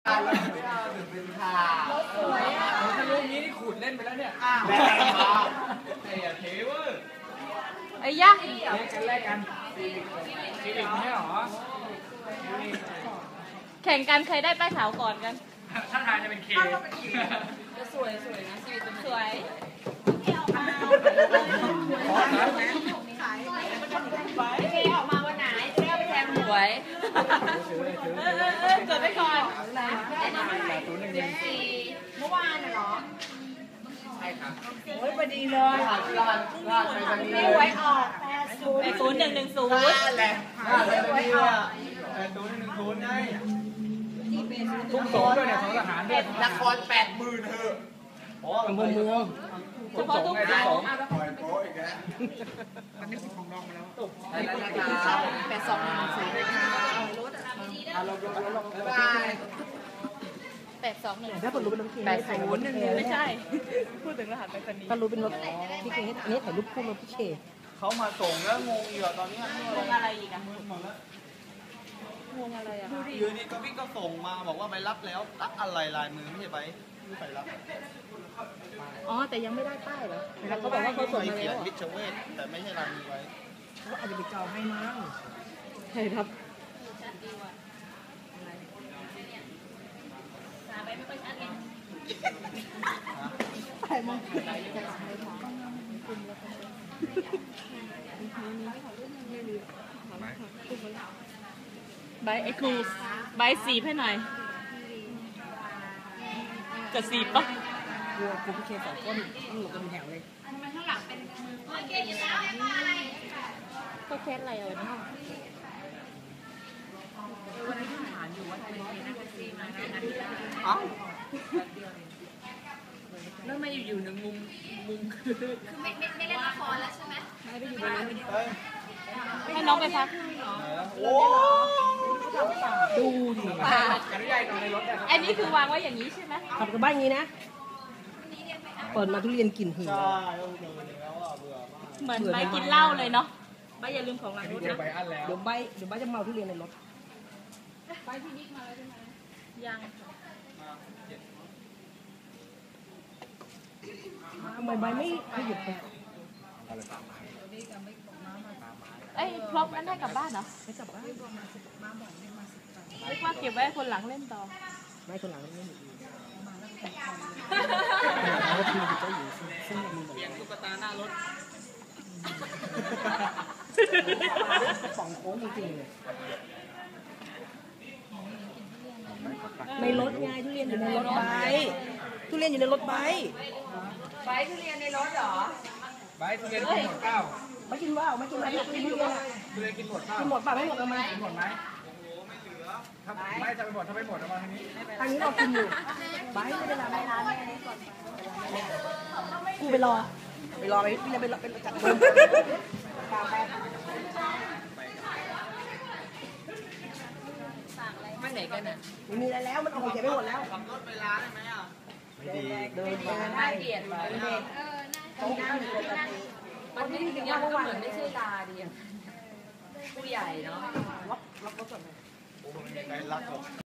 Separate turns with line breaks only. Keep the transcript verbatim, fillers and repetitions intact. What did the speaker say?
เราไม่เอาถึงเป็นข่าวสวยอ่ะถ้าลูกนี้นี่ขูดเล่นไปแล้วเนี่ยแลกกันครับไอ้ยาเทเวอร์
ไอ้ยะ
แลกกันแลกกันซีวิกไม่หรอ
แข่งกันใครได้ป้ายขาวก่อนกัน
ถ้าทางจะเป็นเค
จะสวยสวยนะซีวิกสวยเคออกมาเคออกมาวันไหนเคเอาไปแทงหวยเออเออเออจดไปก่อนสี่เมื่อวานเหรอ
ใช่ครับ
โอ้ยพอดีเลย
ลาดลาดไปวันนี้
ไม่ไว้ออกแปดศูนย์แปดศูนย์หนึ่งหนึ่งศูนย์
นั่นแหละลาดไปวันนี้อ่ะแปดศูนย์หนึ่งศูนย์ไงทุกโซนด้วยเนี่ยของทหารด้วยนครแปดหมื่นเถอะอ๋อเมืองเมือง
เฉพาะทุกสอง
ปล่อยโป๊อีกแล้วมันนี่ของน้องมาแล้วตกไปแล้ว
แปดสองหนึ่งศูนย์รถอ่ะ
ลงลงลงลง
แปดสองหนึ่ง
ถ้าคนรู้เป็นรถเคน
แปดศูนย์หนึ่งไม่ใช่พูดถึงรหัสไปรษณีย์
ก็รู้เป็นรถพี่เคนอันนี้ถ่ายรูปคู่รถพี่เค
เขามาส่งแล้วงงอยู่ตอนนี้
งงอะไรอีกอะ
หมดแล้ว
งงอะไรอะ
ยืนนี่ก็พี่ก็ส่งมาบอกว่าไปรับแล้วรับอะไรลายมือไม่ใช่ไปไม่ไปรับ
อ๋อแต่ยังไม่ได้ป้ายเหรอเขาบอกว่าเขาส่งมาแล้ว
วิชเวทแต่ไม่ใช่ลายมือไว้
เขาอาจจะไปจองให้มั้งใช่ครับ
ไปไม่ค่อยชัดไง
ไปมั้ง
ใบไอ้ครูใบสีให้หน่อยจะสีปะ
กลัวกลัวพี่เคสองคนต้องหลบกันแถวเลย
ทำไมข้างหลังเป็นมือโอเคอยู่แล้วไอ้มาอะไรก็แค่อะไรเอาเนาะวันนี้ที่ฐานอยู่ว่าจะเป็นนักซีมาในนักกีฬา
เอ้า
แล้วมาอยู่ๆหนึ่งมุมมุมคือคือไม่ไม่ไม่เล่นละครแล้วใช่ไหมไม่ไปอยู่ในนั้นให้น้องไปพัก
โอ้
ดูดิ
อันนี้คือวางไว้อย่างนี้ใช่ไหม
ขับกับบ้านอย่างนี้นะเปิดมาทุเรียนกลิ่นหืน
เหมือนใบกินเหล้าเลยเนาะใบอย่าลืมของหลังรถนะ
เดี๋ยวใบเดี๋ยวใบจะเมาทุเรียนในรถ
ใบที่นิกมาแล้วใช่ไหมยัง
ทำไมใบไม่ไม่หยุดไป
เอ้ยพร็อพนั้นได้กลับบ้านเหรอ
ไม่กลับบ้าน
เรียกว่าเก็บไว้คนหลังเล่นต่อ
ไม่คนหลังเล่นอยู่ดี
เขาทีมจะอยู่ซึ่งมึงเปลี่ยนตุ๊กตาหน้ารถ
ป่องโค้งจริงๆเลยในรถไงทุเรียนอยู่ในรถใบทุเรียนอยู่ในรถใบ
ใบทุเรียนในรถเหรอ
ใบทุเรียนกินหมดเก้า
ไม่กินว่าไม่กินอะไรกินทุเรียน
ทุเรียนกินหมดเปล่า
กินหมดป่ะไม่หมดทำไม
กินหมดไหมถ้าไม่จะไปหมดถ้าไม่หมดเอามาทางนี้
ทางนี้เรากินอยู่ใบไม่ได้ละไม่ร้านกูไปรอไปรอไปพี่จะไปรอไปจัดโดน
ไม่ไหนกันอ่ะ
ไม่มีอะไรแล้วมันเอาของเก็บไปหมดแล้ว
ขับรถเวลาได้ไหมอ่ะ
ไม่ดีเดินไป
น่าเกลียดเลยเด็กเออน่าเกลียดมันไม่ถึงยังก็เหมือนไม่ใช่ลาดีผู้ใหญ่เนาะ
ล็อกล็อกรถก่อนเลย
โอ้ไม่มีใครรักหรอก